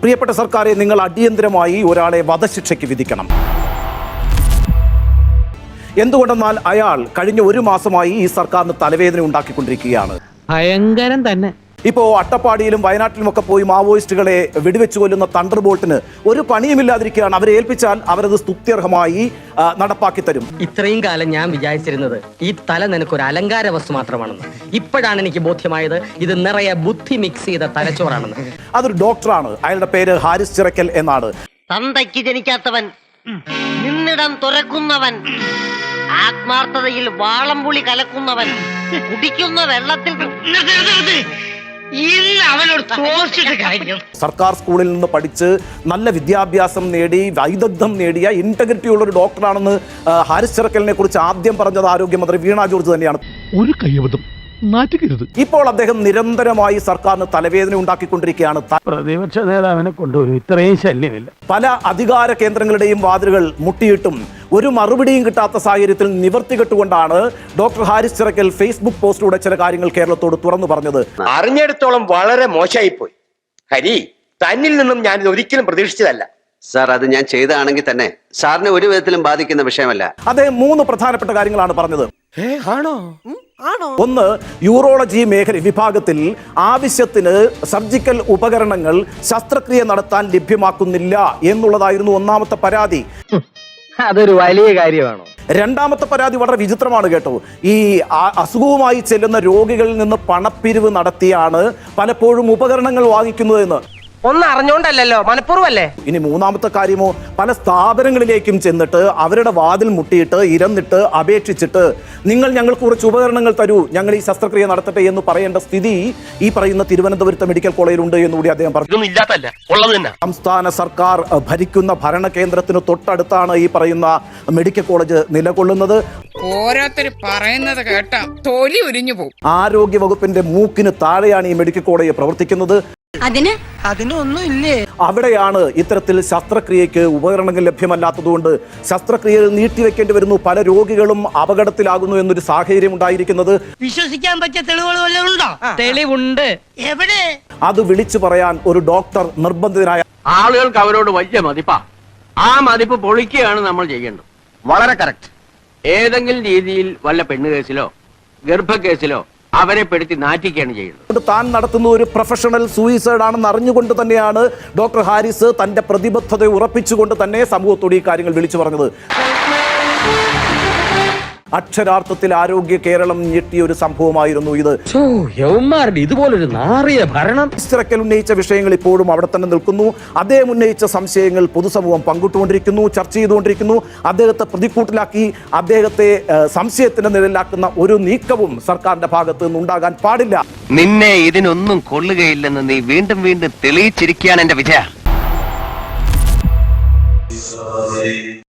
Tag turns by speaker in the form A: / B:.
A: പ്രിയപ്പെട്ട സർക്കാരെ, നിങ്ങൾ അടിയന്തരമായി ഒരാളെ വധശിക്ഷയ്ക്ക് വിധിക്കണം. എന്തുകൊണ്ടെന്നാൽ അയാൾ കഴിഞ്ഞ ഒരു മാസമായി ഈ സർക്കാരിന് തലവേദന ഉണ്ടാക്കിക്കൊണ്ടിരിക്കുകയാണ്.
B: ഭയങ്കരം തന്നെ.
A: ഇപ്പോൾ അട്ടപ്പാടിയിലും വയനാട്ടിലുമൊക്കെ പോയി മാവോയിസ്റ്റുകളെ വെടിവെച്ചു കൊല്ലുന്ന തണ്ടർ ബോൾട്ടിന് ഒരു പണിയുമില്ലാതിരിക്കുകയാണ്. അവരെ ഏൽപ്പിച്ചാൽ അവരത് സ്തുത്യർഹമായി നടപ്പാക്കി തരും.
C: ഇത്രയും കാലം ഞാൻ വിചാരിച്ചിരുന്നത് ഈ തല നിനക്കൊരു അലങ്കാര വസ്തു മാത്രമാണെന്ന്. ഇപ്പോഴാണ് എനിക്ക് ബോധ്യമായത് ഇത് നിറയെ ബുദ്ധി മിക്സ് ചെയ്ത തലച്ചോറാണെന്ന്.
A: അതൊരു ഡോക്ടറാണ്. അയാളുടെ പേര് ഹാരിസ് ചിറക്കൽ എന്നാണ്.
D: തന്തയ്ക്ക് ജനിക്കാത്തവൻ, നിന്നിടം തുറക്കുന്നവൻ, ആത്മാർത്ഥതയിൽ വാളംപുളി കലക്കുന്നവൻ, കുടിക്കുന്ന വെള്ളത്തിൽ
A: സർക്കാർ സ്കൂളിൽ നിന്ന് പഠിച്ച് നല്ല വിദ്യാഭ്യാസം നേടി വൈദഗ്ധ്യം നേടിയ ഇന്റഗ്രിറ്റി ഉള്ള ഒരു ഡോക്ടറാണെന്ന് ഹാരിസ് ചിറക്കലിനെ കുറിച്ച് ആദ്യം പറഞ്ഞത് ആരോഗ്യമന്ത്രി വീണ ജോർജ് തന്നെയാണ്.
E: ഒരു കയ്യബദ്ധം നാറ്റുകരുത്.
A: ഇപ്പോൾ അദ്ദേഹം നിരന്തരമായി സർക്കാരിന് തലവേദന ഉണ്ടാക്കിക്കൊണ്ടിരിക്കുകയാണ്.
B: പ്രതിപക്ഷ നേതാവിനെ കൊണ്ടുവരും, ഇത്രയും ശല്യമില്ല.
A: പല അധികാര കേന്ദ്രങ്ങളുടെയും വാതിലുകൾ മുട്ടിയിട്ടും ഒരു മറുപടിയും കിട്ടാത്ത സാഹചര്യത്തിൽ നിവർത്തി കെട്ടുകൊണ്ടാണ് ഡോക്ടർ ഹാരിസ് ചിറക്കൽ ഫേസ്ബുക്ക് പോസ്റ്റിലൂടെ ചില കാര്യങ്ങൾ കേരളത്തോട് തുറന്നു പറഞ്ഞത്.
F: അറിഞ്ഞിടത്തോളം വളരെ മോശമായിപ്പോയി. ഹരി, തന്നിൽ നിന്നും ഞാൻ ഇത് ഒരിക്കലും പ്രതീക്ഷിച്ചതല്ല.
G: സാർ, അത് ഞാൻ ചെയ്തതാണെങ്കിൽ തന്നെ സാറിനെ ഒരു വിധത്തിലും ബാധിക്കുന്ന വിഷയമല്ല.
A: അദ്ദേഹം 3 പ്രധാനപ്പെട്ട കാര്യങ്ങളാണ് പറഞ്ഞത്. ഒന്ന്, യൂറോളജി മേഖല വിഭാഗത്തിൽ ആവശ്യത്തിന് സർജിക്കൽ ഉപകരണങ്ങൾ ശസ്ത്രക്രിയ നടത്താൻ ലഭ്യമാക്കുന്നില്ല എന്നുള്ളതായിരുന്നു ഒന്നാമത്തെ പരാതി.
C: അതൊരു വലിയ കാര്യമാണോ?
A: രണ്ടാമത്തെ പരാതി വളരെ വിചിത്രമാണ് കേട്ടോ. ഈ അസുഖവുമായി ചെല്ലുന്ന രോഗികളിൽ നിന്ന് പണപ്പിരിവ് നടത്തിയാണ് പലപ്പോഴും ഉപകരണങ്ങൾ വാങ്ങിക്കുന്നതെന്ന്.
D: ഒന്ന് അറിഞ്ഞോണ്ടല്ലോ, മനഃപൂർവ്വല്ലേ.
A: ഇനി മൂന്നാമത്തെ കാര്യമോ, പല സ്ഥാപനങ്ങളിലേക്കും ചെന്നിട്ട് അവരുടെ വാതിൽ മുട്ടിയിട്ട് ഇരന്നിട്ട് അപേക്ഷിച്ചിട്ട് നിങ്ങൾ ഞങ്ങൾക്ക് കുറച്ച് ഉപകരണങ്ങൾ തരൂ, ഞങ്ങൾ ഈ ശസ്ത്രക്രിയ നടത്തട്ടെ എന്ന് പറയേണ്ട സ്ഥിതി ഈ പറയുന്ന തിരുവനന്തപുരത്തെ മെഡിക്കൽ കോളേജിലുണ്ട് എന്നുകൂടി അദ്ദേഹം പറഞ്ഞു. സംസ്ഥാന സർക്കാർ ഭരിക്കുന്ന ഭരണകേന്ദ്രത്തിന് തൊട്ടടുത്താണ് ഈ പറയുന്ന മെഡിക്കൽ കോളേജ് നിലകൊള്ളുന്നത്.
H: ഓരോരുത്തർ പറയുന്നത് കേട്ടാ തൊലി ഉരിഞ്ഞു പോകും.
A: ആരോഗ്യ വകുപ്പിന്റെ മൂക്കിന് താഴെയാണ് ഈ മെഡിക്കൽ കോളേജ് പ്രവർത്തിക്കുന്നത്.
D: അതിനൊന്നും ഇല്ലേ?
A: അവിടെയാണ് ഇത്തരത്തിൽ ശസ്ത്രക്രിയക്ക് ഉപകരണങ്ങൾ ലഭ്യമല്ലാത്തതുകൊണ്ട് ശസ്ത്രക്രിയകൾ നീട്ടിവെക്കേണ്ടി വരുന്നു. പല രോഗികളും അപകടത്തിലാകുന്നു എന്നൊരു സാഹചര്യം ഉണ്ടായിരിക്കുന്നത്.
D: വിശ്വസിക്കാൻ പറ്റിയ തെളിവുകൾ വല്ലതും ഉണ്ടോ?
C: തെളിവുണ്ട്.
D: എവിടെ?
A: അത് വിളിച്ചു പറയാൻ ഒരു ഡോക്ടർ നിർബന്ധിതനായ
I: ആളുകൾക്ക് അവരോട് വലിയ മതിപ്പാ. ആ മതിപ്പ് പൊളിക്കുകയാണ് നമ്മൾ ചെയ്യേണ്ടത്.
F: വളരെ കറക്റ്റ്.
I: ഏതെങ്കിലും രീതിയിൽ വല്ല പെണ്ണുകേസിലോ ഗർഭക്കേസിലോ അവരെ പെടുത്തി നാറ്റിക്കുകയാണ് ചെയ്യുന്നത്.
A: താൻ നടത്തുന്ന ഒരു പ്രൊഫഷണൽ സൂയിസൈഡ് ആണെന്ന് അറിഞ്ഞുകൊണ്ട് തന്നെയാണ് ഡോക്ടർ ഹാരിസ് തന്റെ പ്രതിബദ്ധത ഉറപ്പിച്ചുകൊണ്ട് തന്നെ സമൂഹത്തോട് ഈ കാര്യങ്ങൾ വിളിച്ചു പറഞ്ഞത്. അക്ഷരാർത്ഥത്തിൽ ആരോഗ്യ കേരളം ഞെട്ടിയ ഒരു സംഭവമായിരുന്നു ഇത്.
C: ഇതുപോലൊരു നാറിയ ഭരണം.
A: ചിറക്കൽ ഉന്നയിച്ച വിഷയങ്ങൾ ഇപ്പോഴും അവിടെ തന്നെ നിൽക്കുന്നു. അദ്ദേഹം ഉന്നയിച്ച സംശയങ്ങൾ പൊതുസമൂഹം പങ്കിട്ടുകൊണ്ടിരിക്കുന്നു, ചർച്ച ചെയ്തുകൊണ്ടിരിക്കുന്നു. അദ്ദേഹത്തെ പ്രതിക്കൂട്ടിലാക്കി അദ്ദേഹത്തെ സംശയത്തിന്റെ നിഴലിലാക്കുന്ന ഒരു നീക്കവും സർക്കാരിന്റെ ഭാഗത്ത് നിന്നുണ്ടാകാൻ പാടില്ല.
F: നിന്നെ ഇതിനൊന്നും കൊള്ളുകയില്ലെന്ന് നീ വീണ്ടും വീണ്ടും തെളിയിച്ചിരിക്കുകയാണ് എന്റെ വിജയ.